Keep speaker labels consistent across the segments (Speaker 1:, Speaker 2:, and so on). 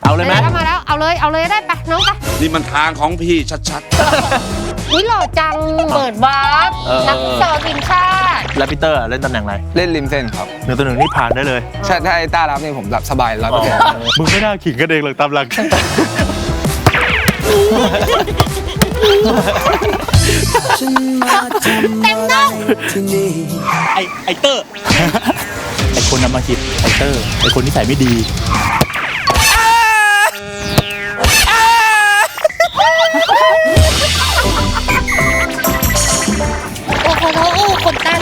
Speaker 1: เอาเลยไหม
Speaker 2: มาแล้วเอาเลยได้ไปน้องไป
Speaker 3: นี่มันทางของพี่ชัด
Speaker 2: ๆนี่หล่อจังเปิดวาร์ปนักฟุตซอลทีมชาติ
Speaker 1: แล้วพีเตอร์เล่นตำแหน่งอะไร
Speaker 4: เล่นริมเส้นครับ
Speaker 1: 1-1นี่ผ่านได้เลย
Speaker 4: ใช่ถ้าไอ้ต้ารับนี่ผมรับสบาย100%
Speaker 1: มึงไม่น่าขิงกันเองหรอกตามหลัก
Speaker 2: เต็มน้อง
Speaker 1: ไอเตอร์ไอคนนำมาคิดไอเตอร์ไอคนนิสัยไม่ดี
Speaker 2: โอ้โหคนตั้ง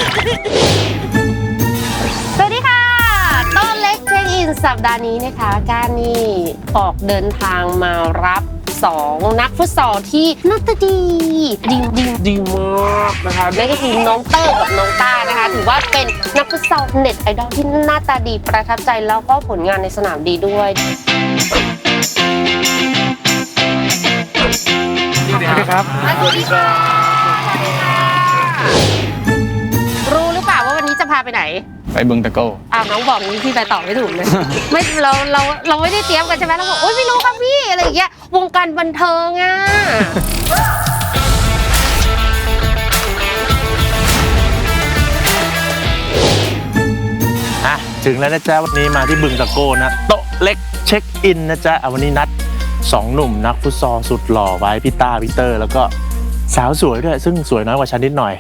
Speaker 2: สวัสดีค่ะต้นเล็กเช็คอินสัปดาห์นี้นะคะการนี่ออกเดินทางมารับ2นักฟุตซอลที่หน้าตาดีมากนะคะนั่นก็คือน้องเตอร์กับน้องต้านะคะถือว่าเป็นนักฟุตซอลเน็ตไอดอลที่หน้าตาดีประทับใจแล้วก็ผลงานในสนามดีด้วย
Speaker 1: สวัสดีครับ
Speaker 2: สวัสดีค่ะรู้หรือเปล่าว่าวันนี้จะพาไปไหน
Speaker 4: ไปบึงตะโก้
Speaker 2: น้องบอกนี้พี่ไปตอบไม่ถูกเลยไม่เราไม่ได้เตรียมกันใช่ไหมเราบอกโอ๊ยไม่รู้ครับพี่อะไรอย่างเงี้ยวงการบันเทิง
Speaker 1: ถึงแล้วนะจ๊ะวันนี้มาที่บึงตะโก้นะโต๊ะเล็กเช็คอินนะจ๊ะวันนี้นัด2หนุ่มนักฟุตซอลสุดหล่อไว้พี่ต้าพีเตอร์แล้วก็สาวสวยด้วยซึ่งสวยน้อยกว่าฉันนิดหน่อย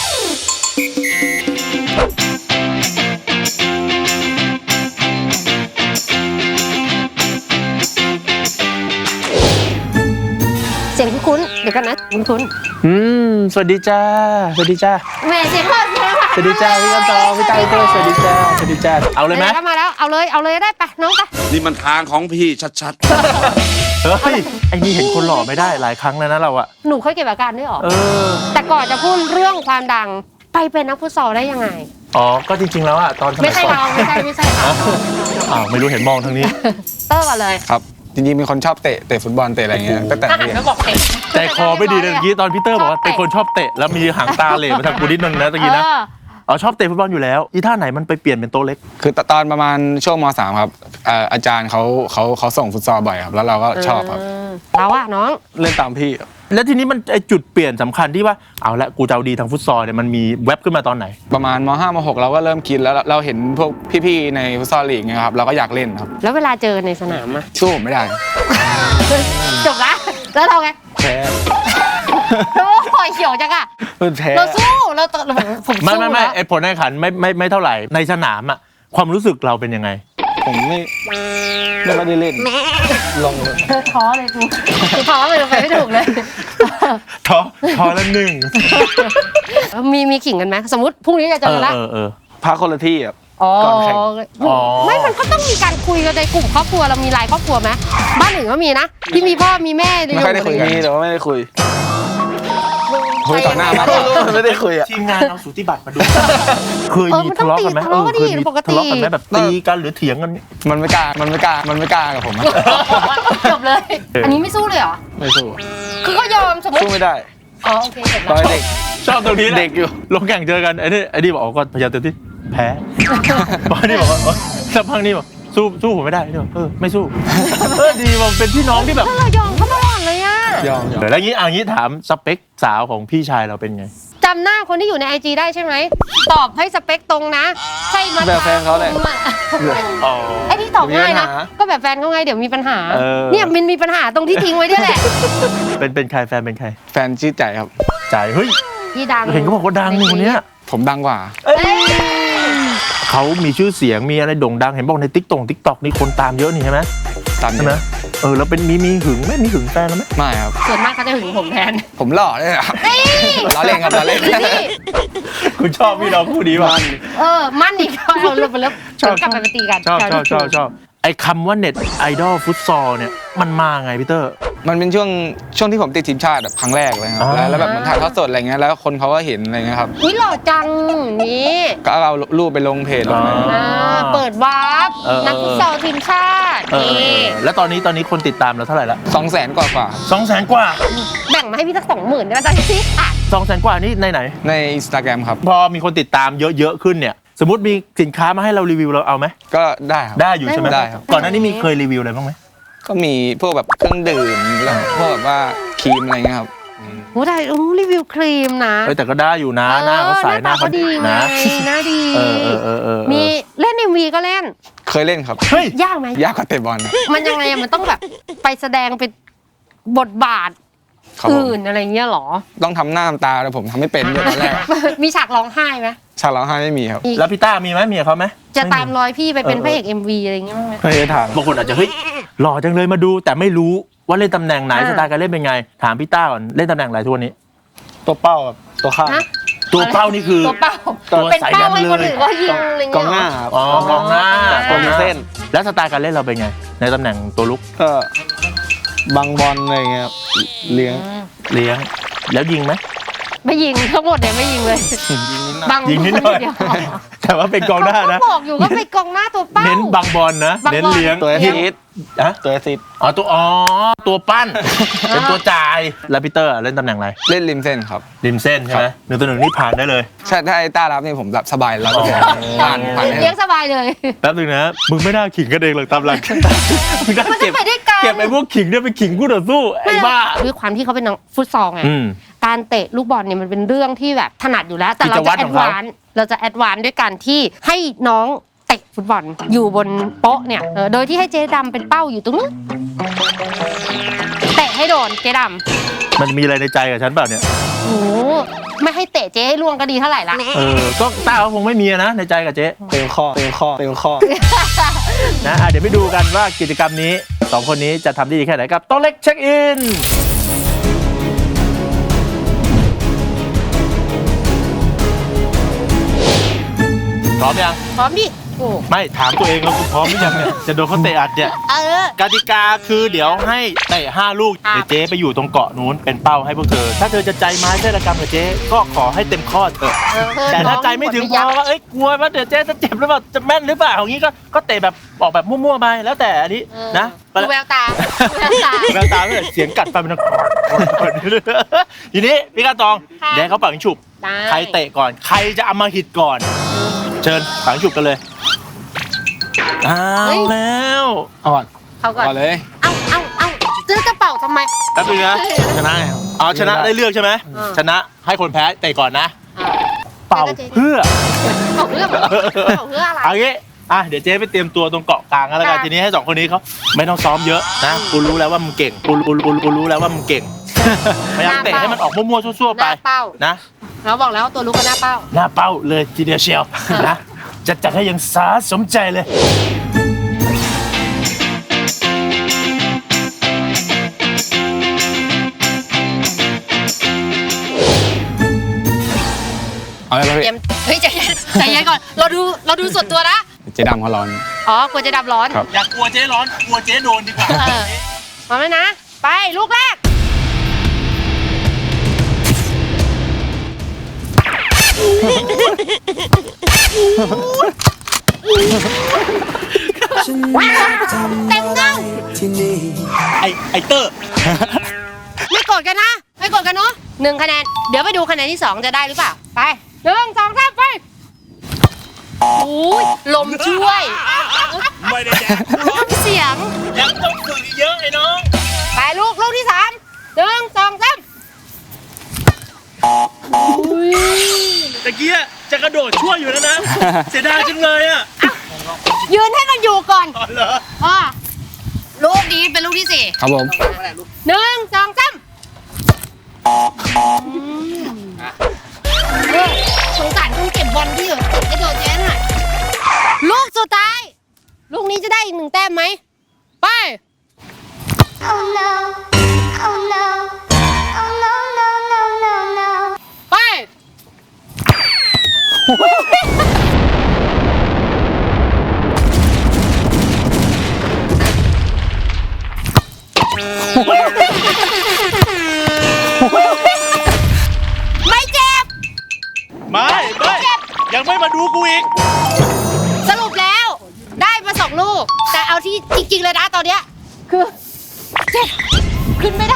Speaker 2: เสียงคุ้นเดี๋ยวกันนะคุ้น
Speaker 1: สวัสดีจ้าสวัสดีจ้า
Speaker 2: แม่เสียงพ่อเสียง
Speaker 1: สวัสดีจ้าพี่กันตองพี่ต้าพีเตอร์สวัสดีจ้าสวัสดีจ้าเอาเลยไหม
Speaker 2: มาแล้วเอาเลยได้ไปน้องไป
Speaker 3: นี่มันทางของพี่ชัด
Speaker 1: เฮ้ยไอ้นี่เห็นคนหล่อไม่ได้หลายครั้งแล้วนะเราอะ
Speaker 2: หนูเคยเก็บอาการด้วยหรอแต่ก่อนจะพูดเรื่องความดังไปเป็นนักฟุตซอลได้ยังไง
Speaker 1: ก็จริงๆแล้วอะตอน
Speaker 2: ไม่ใช่เรา
Speaker 1: ไม่รู้เห็นมองทางนี้
Speaker 2: เตอร์ก่อนเลย
Speaker 4: ครับจริงๆเป็นคนชอบเตะฟุตบอลเตะอะไรเงี้ยตั้งแต่เรียน
Speaker 1: ใจคอไม่ดีเลยเมื่อกี้ตอนพีเตอร์บอกว่าเป็นคนชอบเตะแล้วมีหางตาเหล่มาทางกูนิดนึงนะตะกี้นะชอบเตะฟุตบอลอยู่แล้วอีท่าไหนมันไปเปลี่ยนเป็นโต๊ะเล็ก
Speaker 4: คือตอนประมาณช่วงม.3 ครับอาจารย์เขาส่งฟุตซอลบ่อยครับแล้วเราก็ชอบครับ
Speaker 2: เราอะน้อง
Speaker 4: เล่นตามพี่
Speaker 1: แล้วทีนี้มันไอจุดเปลี่ยนสำคัญที่ว่าเอาละกูจะเอาดีทางฟุตซอลเนี่ยมันมีแว็บขึ้นมาตอนไหน
Speaker 4: ประมาณม.5 ม.6 เราก็เริ่มคิดแล้วเราเห็นพวกพี่ๆในฟุตซอลลีกเนี่ยครับเราก็อยากเล่นครับ
Speaker 2: แล้วเวลาเจอในสนามอะ
Speaker 4: สู้ผมไม่ได้
Speaker 2: จบละแล้วเราไง
Speaker 4: แพ้
Speaker 2: โอ้ยเขียวจังอะเราสู้เราผมสู้
Speaker 1: ไม่ไอผลในขันไม่เท่าไหร่ในสนามอะความรู้สึกเราเป็นยังไง
Speaker 4: ผมไม่ได้เล่นลงเลย
Speaker 2: ท้อเลยกูท้อเลยไปไม่ถูกเลย
Speaker 1: ท้อแล้วหนึ่ง
Speaker 2: มีขิงกันไหมสมมติพรุ่งนี้จะเจอแล้ว
Speaker 4: พักคนละที่อ่ะ
Speaker 2: ก่อนแข่งไม่มันก็ต้องมีการคุยกันในกลุ่มครอบครัวเรามีไลน์ครอบครัวไหมบ้านอื่นก็มีนะที่มีพ่อมีแม่
Speaker 4: ไม่ได้คุยกันแต่ว่าไม่ได้คุยต่อหน้ามาไม่ได้คุยอ่ะ
Speaker 1: ทีมงานเอาสูติบัตรมาดูเคยมีทะเลาะกันไหมเคยมีทะเลาะกันไหมแบบตีกันหรือเถียงกัน
Speaker 4: มันไม่กล้ากับผม
Speaker 2: จบเลยอันนี้ไม่สู้เลยเหรอ
Speaker 4: ไม่สู้
Speaker 2: คือก็ยอมสมมติ
Speaker 4: สู้ไม่ได้
Speaker 2: โอเคเสร็จแล้ว
Speaker 4: เด็ก
Speaker 1: ชอบตรงนี้เด็กอยู่ลงแข่งเจอกันไอ้นี่บอกก็พยายามเต็มที่แพ้บอลนี่บอกว่าสักพักนี่บอกสู้ผมไม่ได้ไม่สู้ดีมันเป็นพี่น้องที่แบบ
Speaker 2: เรายอมเขาตลอดเลยอะ
Speaker 4: ยอม
Speaker 1: แล้วงี้ถามสเปคสาวของพี่ชายเราเป็นไง
Speaker 2: จำหน้าคนที่อยู่ใน IG ได้ใช่ไหมตอบให้สเปคตรงนะใช่มา
Speaker 4: แบบแฟนเขาเลย
Speaker 2: ไอ้ที่ตอบง่ายนะก็แบบแฟนเขาไงเดี๋ยวมีปัญหาเนี่ยมันมีปัญหาตรงที่ทิ้งไว้ด้วยแหละ
Speaker 1: เป็นใครแฟนเป็นใคร
Speaker 4: แฟนชื่อใจครับ
Speaker 1: ใจเฮ้ย
Speaker 2: ที่ดัง
Speaker 1: เห็นเขาบอกว่าดังคนนี้
Speaker 4: ผมดังกว่า
Speaker 1: เขามีชื่อเสียงมีอะไรโด่งดังเห็นบอกในติ๊กต็อกนี่คนตามเยอะนี่ใช่ไหม
Speaker 4: ตาม
Speaker 1: ใช่ไหมแล้วเป็นมีหึงไหมมีหึงแฟนแล้วไหม
Speaker 4: ไม่ครับ
Speaker 2: ส่วนมากเขาจะหึงผมแทน
Speaker 4: ผมหล่อเลยครับล้อเล่นครับล้อเล่น
Speaker 1: คุณชอบพี่น้องคู่นี้ป่ะ
Speaker 2: มั่นอีกเอาเริ่มชอบกลับไปตีกัน
Speaker 1: ชอบไอ้คำว่าเน็ตไอดอลฟุตซอลเนี่ยมันมาไงพี่เตอร์
Speaker 4: มันเป็นช่วงที่ผมติดทีมชาติแบบครั้งแรกเลยครับแล้วแบบมันถ่ายทอดสดอะไรเงี้ยแล้วคนเขาก็เห็นอะไรเงี้ยครับ
Speaker 2: นี่หล่อจังนี่
Speaker 4: ก็เอารูปไปลงเพจ
Speaker 2: เปิดวาร์ปนักฟุตซอลทีมชาตินี่
Speaker 1: แล้วตอนนี้คนติดตามเราเท่าไหร่ละ
Speaker 4: 200,000 กว่า
Speaker 1: 200,000 กว่า
Speaker 2: แบ่งมาให้พี่สัก 20,000ได้ไหมจ๊ะพี่
Speaker 1: 200,000 กว่านี่ไหน
Speaker 4: ใน Instagram ครับ
Speaker 1: พอมีคนติดตามเยอะขึ้นเนี่ยสมมติมีสินค้ามาให้เรารีวิวเราเอาไหม
Speaker 4: ก็ได้ครับ
Speaker 1: ได้อยู่ใช่ไหมได้ครับก่อนหน้านี้มีเคยรีวิวอะไรบ้างไหม
Speaker 4: ก็มีพวกแบบเครื่องดื่มแล้วพวกแบบว่าครีมอะไรเงี้ยครับ
Speaker 2: โอ้ได้รีวิวครีมนะ
Speaker 1: เอ้ยแต่ก็ได้อยู่นะหน้าเขาใสหน้าเขา
Speaker 2: ดี
Speaker 1: นะ
Speaker 2: หน้าดี
Speaker 1: เออ
Speaker 2: มีเล่น MV ก็เล่น
Speaker 4: เคยเล่นครับ
Speaker 1: เฮ้ย
Speaker 2: ยากไหม
Speaker 4: ยากกว่าเตะบอลนะ
Speaker 2: มันยังไงอะมันต้องแบบไปแสดงเป็นบทบาท
Speaker 4: ครับผม
Speaker 2: อื่นอะไรเงี้ยเหรอ
Speaker 4: ต้องทำหน้าทำตาแต่ผมทำไม่เป็นด้วยตอนแรก
Speaker 2: มีฉากร้องไห้ไหม
Speaker 4: ฉากร้องไห้ไม่มีครับ
Speaker 1: แล้วพี่ต้ามีไหมมีกับเขาไหม
Speaker 2: จะตามรอยพี่ไปเป็นพระเอก MV อะไรเงี้ยบ้างไหม
Speaker 4: เคยถาม
Speaker 1: บางคนอาจจะเฮ้ยหล่อจังเลยมาดูแต่ไม่รู้ว่าเล่นตำแหน่งไหนสไตล์การเล่นเป็นไง ถามพี่ต้าก่อนเล่นตำแหน่งอะไรทุกวันนี้
Speaker 4: ตัวเป้ากับตัวข้าง
Speaker 2: ฮะ
Speaker 1: ตัวเป้านี่คือ
Speaker 2: ตัวเป้า
Speaker 1: ตัว
Speaker 2: เป็น
Speaker 1: สาย
Speaker 2: เป้า
Speaker 1: ดำ
Speaker 2: ให้คน
Speaker 1: เลย
Speaker 2: อื่นว่ายิงอะไร
Speaker 4: กอ
Speaker 2: เงี้
Speaker 4: ง
Speaker 2: ย
Speaker 4: หน้า
Speaker 2: เหรอ
Speaker 4: ครับ
Speaker 1: อ๋อกองหน้า
Speaker 4: ตัวมีเส้น
Speaker 1: แล้วสไตล์การเล่นเราเป็นไง ในตำแหน่งตัวลุก
Speaker 4: ก็บังบอลอะไรเงี้ยครับเลี้ยง
Speaker 1: เลี้ยงแล้วยิงไหม
Speaker 2: ไม่ยิงทั้งหมดเนี่ยไม่ยิงเลย บัง
Speaker 1: ยิงนิดหน่อย
Speaker 2: เดีว
Speaker 1: แต่ว่าเป็นกองหน้านะ
Speaker 2: เขาบอกอยู่ว่าเป็นกองหน้าตัวเป้า
Speaker 1: เน้นบังบอลนะ
Speaker 2: บังบอล
Speaker 1: เน้นเลี้ยง
Speaker 4: ตัวแอสซิสต์
Speaker 1: ฮะ
Speaker 4: ตัวแอสซิสต์
Speaker 1: ตัวปั้น เป็นตัวจ่ายแล้วพีเตอร์เล่นตำแหน่งอะไร
Speaker 4: เล่นริมเส้นครับ
Speaker 1: ริมเส้นใช่ไหมหนึ่งต่อหนึ่งนี่ผ่านได้เลย
Speaker 4: ใช่ถ้าไอ้ต้ารับนี่ผมแบบสบายแล้ว
Speaker 1: อ๋อ
Speaker 4: ผ่าน
Speaker 2: เลี้ยงสบายเลย
Speaker 1: แป๊บนึงนะมึงไม่น่าขิงกันเองหรอกตามหลังมึงน่า
Speaker 2: มันจะ
Speaker 1: เก็บ
Speaker 2: ไปด้วยกัน
Speaker 1: เก็บไอ้พวกขิงเนี่ยไปขิงคู่ต่อสู้ไอ้บ้า
Speaker 2: ด้วยความที่เขาเป็นนักฟุตซอลไง
Speaker 1: อืม
Speaker 2: การเตะลูกบอลเนี่ยมันเป็นเรื่องที่แบบถนัดอยู่แล้ว แต่เรา
Speaker 1: กิจวั
Speaker 2: จะ
Speaker 1: ตร
Speaker 2: แอ
Speaker 1: ขอ
Speaker 2: ด
Speaker 1: งเขา
Speaker 2: วานซ์เราจะแอดวานซ์ด้วยการที่ให้น้องเตะฟุตบอลอยู่บนโป๊ะเนี่ยโดยที่ให้เจ๊ดำเป็นเป้าอยู่ตรงนู้นเตะให้โดนเจ๊ด
Speaker 1: มันมีอะไรในใจกับฉันเปล่าเนี่ย
Speaker 2: ำโอ้โหไม่ให้เตะเจ๊ให้ล่วงก็ดีเท่าไหร่ละ
Speaker 1: ก็ต้าเขาคงไม่มีนะในใจกับเจ๊
Speaker 4: เต็มข้อ
Speaker 1: นะเดี๋ยวไปดูกันว่ากิจกรรมนี้สองคนนี้จะทำได้ดีแค่ไหนกับโต๊ะเล็กเช็คอินพร้อมยัง
Speaker 2: พร้อมดิโอ้
Speaker 1: ไม่ถามตัวเองแล้วคุณพร้อมหรือยังเนี่ยจะโดนเขาเตะอัดเนี่ย กติกาคือเดี๋ยวให้เตะ5 ลูก
Speaker 2: ครับ
Speaker 1: เดี๋ยวเจ๊ไปอยู่ตรงเกาะนู้นเป็นเป้าให้พวกเธอ ถ้าเธอจะใจไม้ใจระกรรมกับเจ๊ก็ขอให้เต็มข้อเถอะแต่ถ้าใจไม่ถึงพอว่าเอ้ยกลัวว่าเดี๋ยวเจ๊จะเจ็บหรือเปล่าจะแม่นหรือเปล่าอย่างนี้ก็เตะแบบออกแบบมั่วๆไปแล้วแต่อันนี้นะ
Speaker 2: ดูแววตาดูแววตา
Speaker 1: แววตาเลยเสียงกัดฟันเป็นทีนี้พี่กาตอง
Speaker 2: ค่ะ
Speaker 1: เดี๋ยวให้เขาฝังฉุบ
Speaker 2: ได้
Speaker 1: ใครเตะก่อนใครจะเอามาหิดก่อน เชิญฝังฉุบกันเลยเอาแล้ว
Speaker 4: เอาก่อน
Speaker 2: เขาก่อน
Speaker 4: ก่อนเลย
Speaker 2: เอาจะเป่าทำไม
Speaker 1: แป๊บนึงนะชนะไงอ๋อชนะได้เลือกใช่ไหม
Speaker 2: อ่า
Speaker 1: ชนะให้คนแพ้เตะก่อนนะ
Speaker 2: อ่า
Speaker 1: เป่าเพื่อ
Speaker 2: เป่าเพื่ออะไร
Speaker 1: เอางี้เดี๋ยวเจ๊ไปเตรียมตัวตรงเกาะกลางกันแล้วกัน
Speaker 2: ค่ะ
Speaker 1: ทีนี้ให้2 คนนี้เขาไม่ต้องซ้อมเยอะนะกูรู้แล้วว่ามึงเก่งกูรู้แล้วว่ามึงเก่งพยายามเตะให้มันออกมั่วๆซั่วๆ
Speaker 2: ห
Speaker 1: ไป
Speaker 2: น้าเป้า
Speaker 1: นะ
Speaker 2: เราบอกแล้วว่าตัวลูกก็หน้าเป้า
Speaker 1: หน้าเป้าเลยทีเดียวเชียวนะจะจัดให้อยังสาสมใจเลย
Speaker 4: เอาเลย
Speaker 2: เตรี
Speaker 4: พี่
Speaker 2: ยมเฮ้ยใจเย็นใจเย็นก่อนเราดูส่วนตัวนะ
Speaker 4: เจ๊ดำเขาร้อน
Speaker 2: อ๋อกลัวจะดับร้อน
Speaker 4: ครับ
Speaker 1: อยากกลัวเจ๊ร้อนกลัวเจ๊โดนดีกว่า
Speaker 2: พร้อมแล้วนะ ไปลูกแรกเต็มเงา
Speaker 1: ไอเตอร์
Speaker 2: ไม่กดกันนะ ไม่กดกันเนาะ1 คะแนน เดี๋ยวไปดูคะแนนที่ 2 จะได้หรือเปล่า ไป1 2 3ไปโอ้ยลมช่วย
Speaker 1: ไม่ได้แดก
Speaker 2: ทำเสียง
Speaker 1: ยังต้องฝึกเยอะไอ้น้อง
Speaker 2: ไปลูกที่ 3 1 2 3
Speaker 1: ตะกี้จะกระโดดช่วยอยู่แล้วนะ เสียดายจังเลยอ่ะ
Speaker 2: ยืนให้มันอยู่ก่อน
Speaker 1: อ๋อเหรอ
Speaker 2: ลูกนี้เป็นลูกที่
Speaker 4: ครับผม
Speaker 2: 4 1 2 3สงสารคนเก็บบอลที่อยู่กระโดดแย้หน่อยลูกสุดท้าย ลูกนี้จะได้อีก1 แต้มไหม ไป
Speaker 5: Oh no, oh no, oh no, no, no, no, no.
Speaker 2: ไป ไม่เจ็บ
Speaker 1: ไม่ยังไม่มาดูกูอีก
Speaker 2: สรุปแล้วได้มา2 ลูก แต่เอาที่จริงๆเลยนะตอนเนี้ยคือเจ็บขึ้นไม่ได้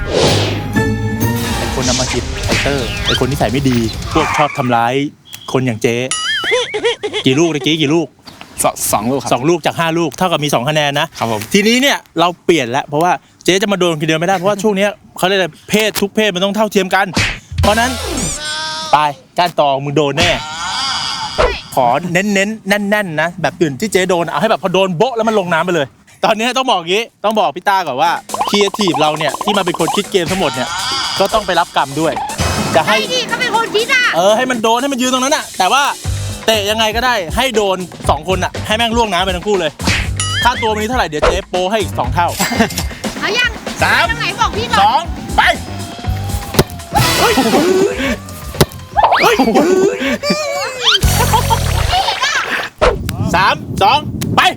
Speaker 1: ไอคนนำมาคิดไอเตอร์ไอคนนิสัยไม่ดี พวกชอบทำร้ายคนอย่างเจ๊ กี่ลูกตะกี้กี่ลูก
Speaker 4: สองลูกครับ
Speaker 1: 2 ลูกจาก 5 ลูกเท่ากับมี 2 คะแนนนะครับ
Speaker 4: ผม
Speaker 1: ทีนี้เนี่ยเราเปลี่ยนแล้วเพราะว่าเจ๊จะมาโดนคนเดียวไม่ได้เพราะว่าช่วงเนี้ยเขาเรียกอะไรเพศทุกเพศมันต้องเท่าเทียมกัน เพราะนั้นไปก้านตองมึงโดนแน่ขอเน้นๆแน่นๆนะแบบอื่นที่เจ๊โดนเอาให้แบบพอโดนโบ๊ะแล้วมันลงน้ำไปเลย ตอนนี้ต้องบอกอย่างนี้ต้องบอกพี่ต้าก่อนว่าครีเอทีฟเราเนี่ยที่มาเป็นคนคิดเกมทั้งหมดเนี่ยก็ต้องไปรับกรรมด้วยจะให้
Speaker 2: ไอ้นี่เขาเป็นคนคิดอ่ะ
Speaker 1: ให้มันโดนให้มันยืนตรงนั้นอ่ะแต่ว่าเตะยังไงก็ได้ให้โดน2 คนอ่ะให้แม่งล่วงน้ำไปทั้งคู่เลยค่าตัววันนี้เท่าไหร่เดี๋ยวเจ๊โปให้อีก2 เท่า
Speaker 2: เอายัง
Speaker 1: สาม
Speaker 2: ตรงไหนบอกพี่ก่อน
Speaker 1: 2ไปเฮ้ยเฮ้ย3 2ไป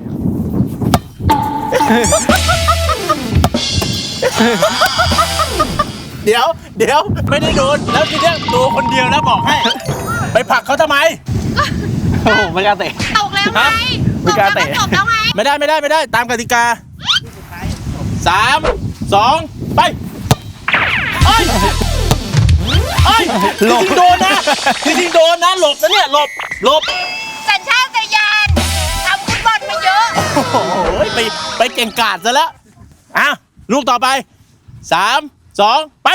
Speaker 1: เดี๋ยวไม่ได้โดนแล้วทีเนี้ยตัวคนเดียวนะบอกให้ไปผลักเขาทำไม
Speaker 4: โอ้โหไม่กล้าเตะ
Speaker 2: ตกแล้วไง
Speaker 4: ไม่กล้าเตะ
Speaker 2: ตกแล้วไง
Speaker 1: ไม่ได้ตามกติกา3 2ไปเอ้ยจริงๆโดนนะหลบนะเนี่ยหลบ
Speaker 2: สัญชาตญาณทำฟุตบอลมาเยอะ
Speaker 1: โอ้โหไปเก่งกาจซะแล้วอ่ะลูกต่อไป3 2ไป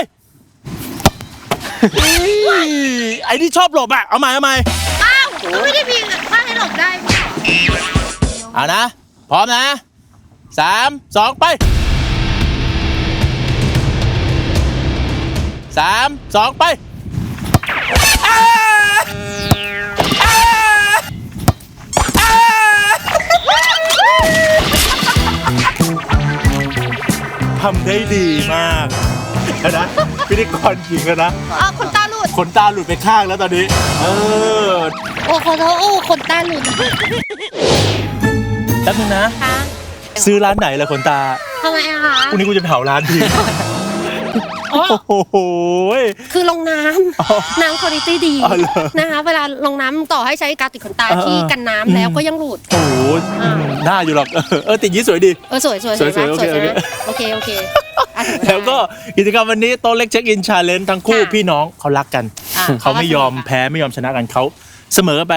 Speaker 1: ไอ้นี่ชอบหลบอ่ะเอาใหม่
Speaker 2: อ้าวก็ไม่ได้มีผ้าให้หลบได้ไม่เหรอ
Speaker 1: เอานะพร้อมนะ3 2ไป3 2ไปทำได้ดีมากนะพิธีกรหญิงนะ
Speaker 2: คนตาหลุด
Speaker 1: ขนตาหลุดไปข้างแล้วตอนนี้
Speaker 2: โอ้ขอโทษคนตาหลุด
Speaker 1: แป๊บนึงนะ
Speaker 2: คะ
Speaker 1: ซื้อร้านไหนล่ะขนตา
Speaker 2: ทำไมอะคะ
Speaker 1: พรุ่งนี้กูจะเผาร้านที
Speaker 2: อ๋อ
Speaker 1: โอ้โห
Speaker 2: คือลงน้ำน้ำคุณภาพดี
Speaker 1: อ๋อเหรอ
Speaker 2: นะคะเวลาลงน้ำต่อให้ใช้กาวติดขนตาที่กันน้ำแล้วก็ยังหลุด
Speaker 1: โอ้โหหน้าอยู่หรอกติดยี่สวยดี
Speaker 2: สวย
Speaker 1: สวย
Speaker 2: ใช่ไหม
Speaker 1: โอเค
Speaker 2: สวยใช่ไหมโอเคอ่ะถึงเา
Speaker 1: แล้วก็กิจกรรมวันนี้โต๊ะเล็กเช็คอินชาเลนจ์ทั้งคู่
Speaker 2: ค่ะ
Speaker 1: พี่น้องเขารักกัน
Speaker 2: อ่ะ
Speaker 1: เขาไม่ยอมแพ้ไม่ยอมชนะกันเขาเสมอกันไป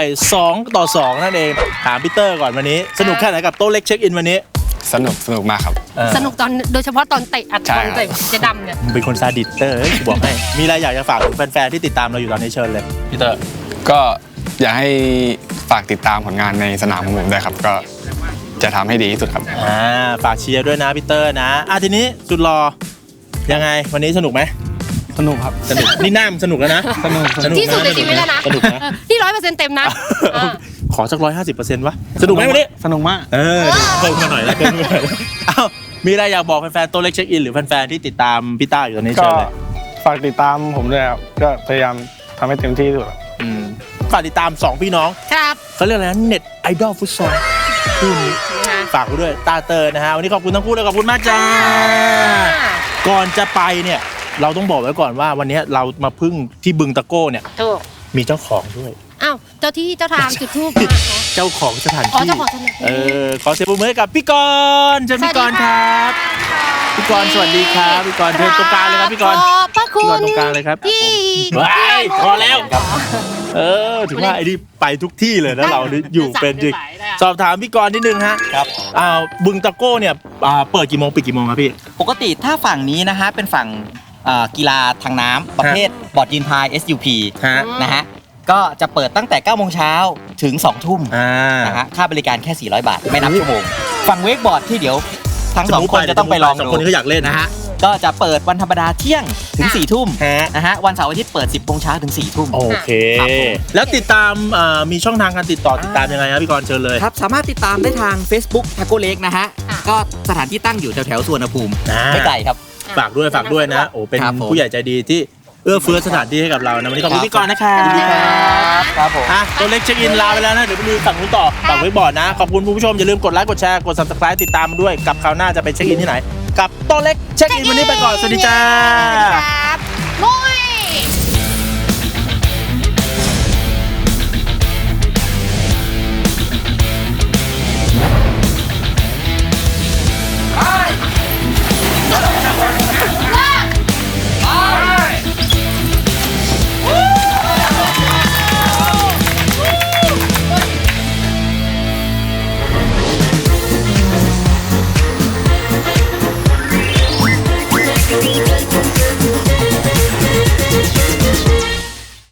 Speaker 1: 2-2นั่นเองถามพีเตอร์ก่อนวันนี้สนุกแค่ไหนกับโต๊ะเล็กเช็คอินวันนี้
Speaker 4: สนุกมากครับ
Speaker 2: สนุกตอนโดยเฉพาะตอนเตะอัด
Speaker 4: ใช่
Speaker 2: ตอน
Speaker 4: ครับ
Speaker 2: เตะเจะดำเนี่ย
Speaker 1: มึงเป็นคนซาดิสเตอร์เฮ้ยกูบอกให้มีอะไรอยากจะฝากถึงแฟนๆที่ติดตามเราอยู่ตอนนี้เชิญเลยพีเตอร์
Speaker 4: ก็อยากให้ฝากติดตามผลงานในสนามของผมด้วยครับ ก็จะทำให้ดีที่สุดครับ
Speaker 1: ฝากเชียร์ด้วยนะพีเตอร์นะทีนี้สุดรอยังไงวันนี้สนุกไหม
Speaker 4: สนุกครับ
Speaker 1: สนุกนี่หน้ามันสนุกแล้วนะสนุก
Speaker 2: ที่สุดในชีวิตแล้วนะ
Speaker 1: สนุกนะ
Speaker 2: ที่100%เต็มนะ
Speaker 1: ขอสัก150%วะสนุกไหมวันนี้
Speaker 4: สนุกมาก
Speaker 1: เพิ่มมาหน่อยแล้วอ้าวมีอะไรอยากบอกแฟนๆโต๊ะเล็กเช็คอินหรือแฟนๆที่ติดตามพี่ต้าอยู่ตอนนี้
Speaker 6: ก็
Speaker 1: เชิญเลย
Speaker 6: ฝากติดตามผมด้วยครับ ก็พยายามทำให้เต็มที่ที่สุดครับ
Speaker 1: ฝากติดตาม2พี่น้อง
Speaker 2: ครับ
Speaker 1: เขาเรียกอะไรนะเน็ตไอดอลฟุตซอลคู่นี้ฝากไว้ด้วยตาเตอร์นะฮะวันนี้ขอบคุณทั้งคู่เลยขอบคุณมากจ้าก่อนจะไปเนี่ยเราต้องบอกไว้ก่อนว่าวันนี้เรามาพึ่งที่บึงตะโก้เนี่ย
Speaker 2: ถูก
Speaker 1: มีเจ้าของด้วย
Speaker 2: อ้าวเจ้าที่เจ้าทางจุดทูบ
Speaker 1: เจ้าของสถาน
Speaker 2: อ๋อ
Speaker 1: ที่
Speaker 2: เจ้าของสถานที่
Speaker 1: ขอเสียงปรบมือให้กับพี่กรณ์เชิญพี่กรณ์ครับพี่กรณ์สวัสดีครับพี่กรณ์เชิญตรงกลางเลยครับพี่กรณ์
Speaker 2: ขอบพระคุ
Speaker 1: พี่กร
Speaker 2: ณ
Speaker 1: ณ์ตรงกลางเลยครับ
Speaker 2: ที่
Speaker 1: ว้ายพอแล้วถึงว่าไอ้นี่ไปทุกที่เลยนะเรานี่อยู่เป็นจริงสอบถามพี่กรณ์นิดนึงฮะครับบึงตะโก้เนี่ยเปิดกี่โมงปิดกี่โมงครับพี่
Speaker 7: ปกติถ้าฝั่งนี้นะฮะเป็นฝั่งกีฬาทางน้ำประเภทบอร์ดยืนพาย SUP
Speaker 1: ฮะ
Speaker 7: นะฮะก็จะเปิดตั้งแต่ 9 โมงเช้าถึง 2 ทุ่ม นะฮะค่าบริการแค่ 400 บาท ไม่นับชั่วโมง ฝั่งเวกบอร์ดที่เดี๋ยวทั้ง 2 คนจะต้องไปลอง
Speaker 1: สอง
Speaker 7: ดู
Speaker 1: คนนี้เขาอยากเล่นนะฮะ
Speaker 7: ก็จะเปิดวันธรรมดาเที่ยงถึง 4 ทุ่ม
Speaker 1: ฮะ
Speaker 7: นะฮะวันเสาร์อาทิตย์เปิด 10 โมงเช้าถึง 4 ทุ่ม
Speaker 1: โอเค
Speaker 7: ครับผม
Speaker 1: แล้วติดตามมีช่องทางการติดต่อติดตามยังไงครับพี่กรณ์เชิญเลย
Speaker 7: ครับสามารถติดตามได้ทาง Facebook Taco Lake นะฮะก็สถานที่ตั้งอยู่แถวๆสุวรรณภูมิ ไม่ไกลครับ
Speaker 1: ฝากด้วยนะโอ้เป็น
Speaker 7: ครับผม
Speaker 1: ผู้ใหญ่ใจดีที่เอื้อเฟื้อสถานที่ให้กับเรานะวันนี้ขอบคุณพี่กรณ์นะครับ
Speaker 7: ครับผม
Speaker 1: ตัวเล็กเช็คอินลาไปแล้วนะเดี๋ยวไปดูฝั่งนู้นต่อฝั่งเว็บบอร์ดนะขอบคุณผู้ชมอย่าลืมกดไลค์กดแชร์กด Subscribe ติดตามด้วยกับคราวหน้าจะไปเช็คอินที่ไหนกับตัวเล็กเช็คอินวันนี้ไปก่อนสวัสดีจ้า
Speaker 2: ครับ